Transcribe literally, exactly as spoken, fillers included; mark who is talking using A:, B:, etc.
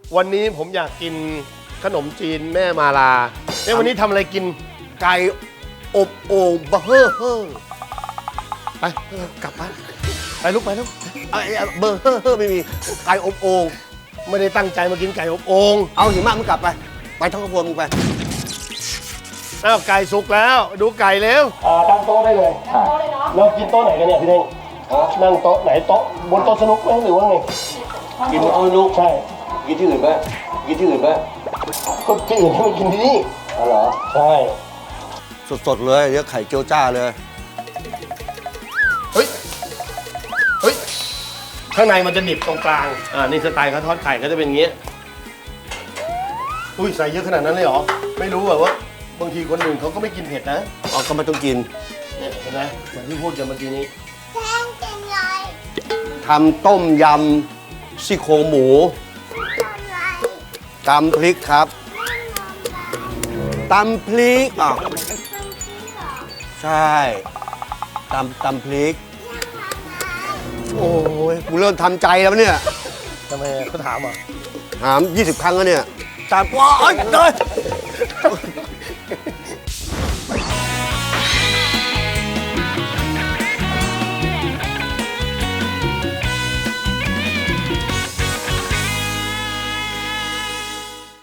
A: วันนี้ผมอยากกินขนมจีนแม่มาลาเนี่ยวันนี้ทำอะไรกิน
B: ไก่อบโอ่งบะเฮ่อเฮ่อ
A: ไปเออกลับบ้านไปลูกไปลูก
B: ไอ้ไอ้เบอร์เฮ่อเฮ่อไม่มีไก่อบโอ่ง
A: ไม่ได้ตั้งใจมากินไก่อบโอ่ง
B: เอาหิมะมึงกลับไปไปท้องกระพวนมึงไป
A: อ้าวไก่สุกแล้วดูไก่เร็วอ่าตั้งโต๊ะได้เลยตั้งโต๊ะเลยเนาะเรากินโต๊ะไหนกันเนี่ยพี่เด้งนั่งโต๊ะไหนโต๊ะบนโต๊ะสนุกไหมหรือว่าไง
B: กินเอาลูก
A: ใช่
B: กินที่อื่นไปกินที่อื่นไป
A: ก็ที่อื่นให้มันกินที่นี่
B: อ๋อเหรอ
A: ใช่
B: สดๆเลยเดี๋ยวไข่เจียวจ้าเลย
A: เฮ้ยเฮ้ยข้างในมันจะหนิบตรงกลางอ่านี่สไตล์เขาทอดไข่ก็จะเป็นอย่างเงี้ยอุ้ยใส่เยอะขนาดนั้นเลยเหรอไม่รู้แบบว่าบางทีคนอื่นเขาก็ไม่กินเผ็ดนะ
B: เอาก็ไม่ต้องกิน
A: เนี่ยเห็นไหมเหมือนที่พูดกันเมื่อกี้นี้
B: ทำต้มยำซี่โครงหมูตำพริกครับตำพริกอ่ะใช่ตำตำพริก โอ้ยกูเริ่มทำใจแล้วเนี่ย
A: ทำไมเขาถามอ่ะ
B: ถามยี่สิบครั้งแล้วเนี่ยตามว้ายเดิน